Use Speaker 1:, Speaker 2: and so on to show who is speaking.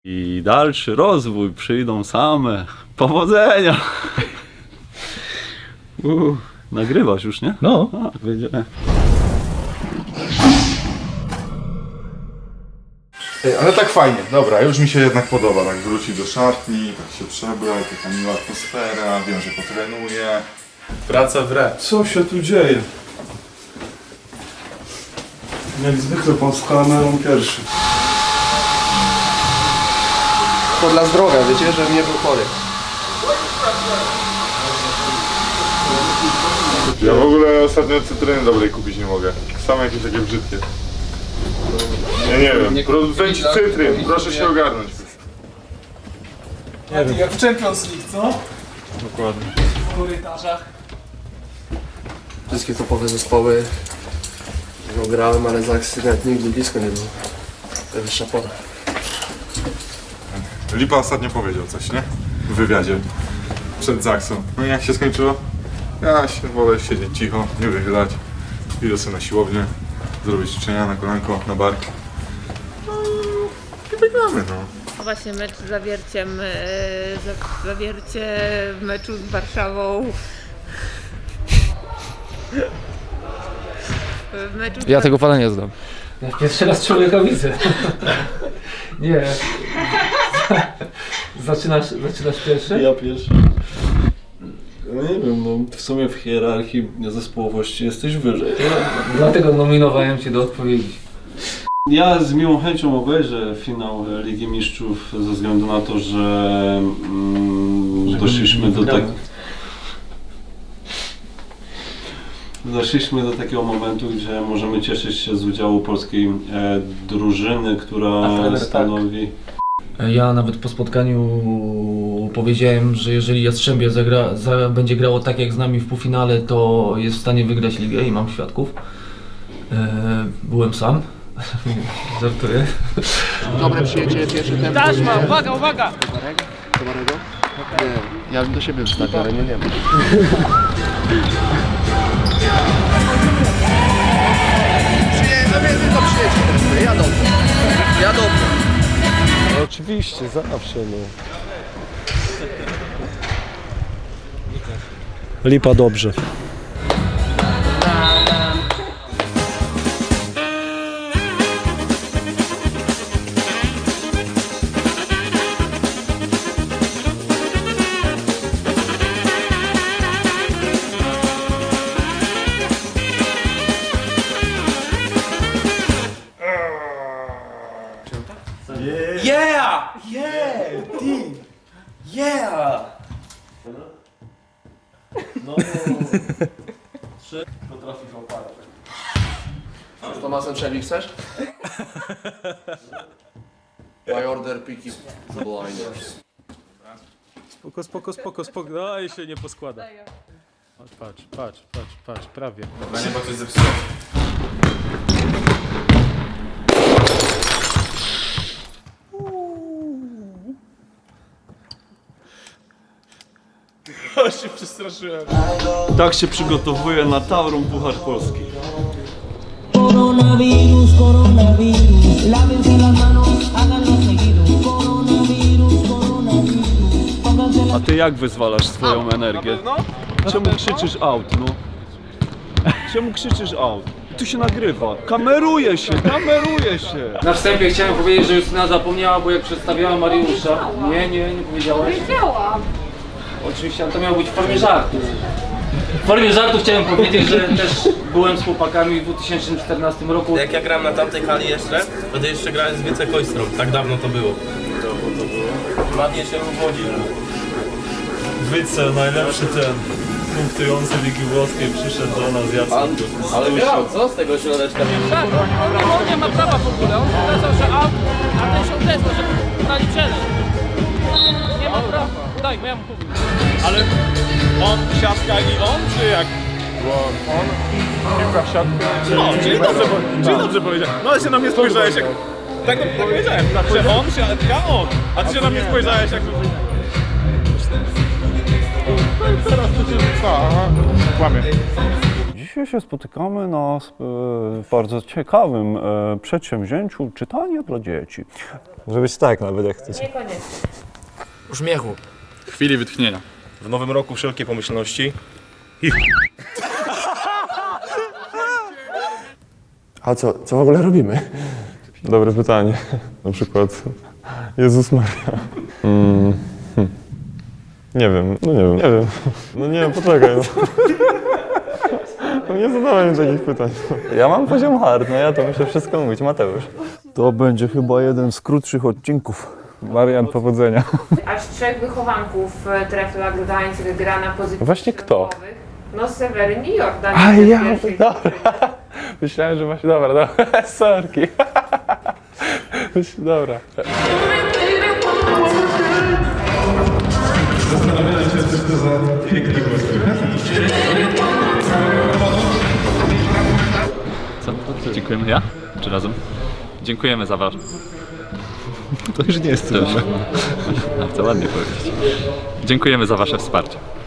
Speaker 1: I dalszy rozwój przyjdą same. Powodzenia! Nagrywasz już, nie?
Speaker 2: No.
Speaker 1: Tak, wiedziałem.
Speaker 3: Ale tak fajnie, dobra, już mi się jednak podoba, tak wrócić do szatni, tak się przebrać, taka miła atmosfera, wiem, że potrenuję. Praca w re.
Speaker 4: Co się tu dzieje? Jak zwykle pan z kamerą pierwszy.
Speaker 5: To dla zdrowia, wiecie, żebym nie był chory.
Speaker 3: Ja w ogóle ostatnio cytryny dobrej kupić nie mogę, same jakieś takie brzydkie. Ja nie wiem, producenci cytryn, proszę się ogarnąć.
Speaker 6: Jak w Champions League, co?
Speaker 3: Dokładnie.
Speaker 6: W korytarzach.
Speaker 5: Wszystkie topowe zespoły grałem, ale Zaksy nawet nigdy blisko nie był. To wyższa pora.
Speaker 3: Lipa ostatnio powiedział coś, nie? W wywiadzie. Przed Zaksą. No i jak się skończyło? Ja się wolę siedzieć cicho, nie wychylać. Idę sobie na siłownię, zrobić ćwiczenia na kolanko, na bark. No i wygramy, no.
Speaker 7: Właśnie mecz z Zawierciem, Zawiercie w meczu z Warszawą. W meczu z
Speaker 2: Ja tego pana nie znam.
Speaker 6: Ja pierwszy raz człowieka widzę. Nie. Zaczynasz pierwszy?
Speaker 4: Ja pierwszy. No nie wiem, no w sumie w hierarchii zespołowości jesteś wyżej.
Speaker 6: Dlatego nominowałem cię do odpowiedzi.
Speaker 4: Ja z miłą chęcią obejrzę finał Ligi Mistrzów ze względu na to, że doszliśmy do takiego momentu, gdzie możemy cieszyć się z udziału polskiej drużyny, która stanowi...
Speaker 6: Ja nawet po spotkaniu powiedziałem, że jeżeli Jastrzębie będzie grało tak jak z nami w półfinale, to jest w stanie wygrać ligę i mam świadków. Byłem sam. Żartuję.
Speaker 5: Dobre przyjęcie, pierwszy tempo.
Speaker 7: Taśma, uwaga, uwaga!
Speaker 5: Tomarego? Nie, ja bym do siebie wstawił, ale nie wiem. No więc tylko przyjęcie teraz, ja dobrze. Ja dobrze.
Speaker 4: No oczywiście, zawsze no. Lipa dobrze.
Speaker 6: Yeah! Yeah! Team! Yeah!
Speaker 5: Z Tomasem Shelby chcesz? My order picky blinders.
Speaker 2: Spoko. No i się nie poskłada. O, patrz, prawie.
Speaker 3: się przestraszyłem.
Speaker 1: Tak się przygotowuje na Tauron Puchar Polski.
Speaker 8: Coronavirus, coronavirus, lávense las manos, háganlo seguido. Coronavirus, coronavirus, pónganse las
Speaker 1: A ty jak wyzwalasz swoją energię? Czemu krzyczysz out, no? Czemu krzyczysz out? Tu się nagrywa. Kameruje się!
Speaker 6: Na wstępie chciałem powiedzieć, że Justyna zapomniała, bo jak przedstawiała Mariusza... Nie powiedziałaś?
Speaker 7: Powiedziałam!
Speaker 6: Oczywiście, ale to miało być w formie żartu. W formie żartu chciałem powiedzieć, że też byłem z chłopakami w 2014 roku.
Speaker 9: Jak ja grałem na tamtej hali jeszcze, wtedy jeszcze grałem z Wiece Koistrą, tak dawno to było. Ładnie się uwodził.
Speaker 4: Wyce, najlepszy ten punktujący Ligi Włoskiej przyszedł do nas Jacek.
Speaker 9: Ale grał, co z tego środeczka nie
Speaker 7: Tak, on nie ma prawa w ogóle, on pokazał, że out, a ten się odezwał, że dali challenge. Nie ma prawa. Daj, bo ja mu powiem.
Speaker 3: Ale on siatka i on, czy jak? Bo on piłka w siatkę.
Speaker 9: No, czyli dobrze powiedziałem. No ale się na mnie spojrzałeś jak... Tak powiedziałem, że on, siatka, on. A ty się na mnie spojrzałeś jak...
Speaker 3: Teraz to cię... Kłamie.
Speaker 1: Dzisiaj się spotykamy na bardzo ciekawym przedsięwzięciu czytania dla dzieci.
Speaker 10: Może być tak nawet jak chcecie.
Speaker 7: Niekoniecznie.
Speaker 5: Uśmiechu.
Speaker 9: Chwili wytchnienia.
Speaker 10: W nowym roku wszelkie pomyślności.
Speaker 5: A co w ogóle robimy?
Speaker 3: Dobre pytanie. Na przykład Jezus Maria. Nie wiem. No nie wiem, poczekaj. No nie zadawaj mi takich pytań.
Speaker 10: Ja mam poziom hard, no ja to muszę wszystko mówić. Mateusz.
Speaker 1: To będzie chyba jeden z krótszych odcinków. Marian, powodzenia.
Speaker 7: Aż 3 wychowanków Trefla Gdańsk gra na pozycji.
Speaker 3: Właśnie kto?
Speaker 7: No Seweryn i Jordan.
Speaker 3: A ja, dobra. Myślałem, że masz... Dobra, sorki. Dobra.
Speaker 9: Co? Dziękujemy ja? Czy razem? Dziękujemy za wasz.
Speaker 10: To już nie jest trudne.
Speaker 9: To ładnie powiedzieć. Dziękujemy za wasze wsparcie.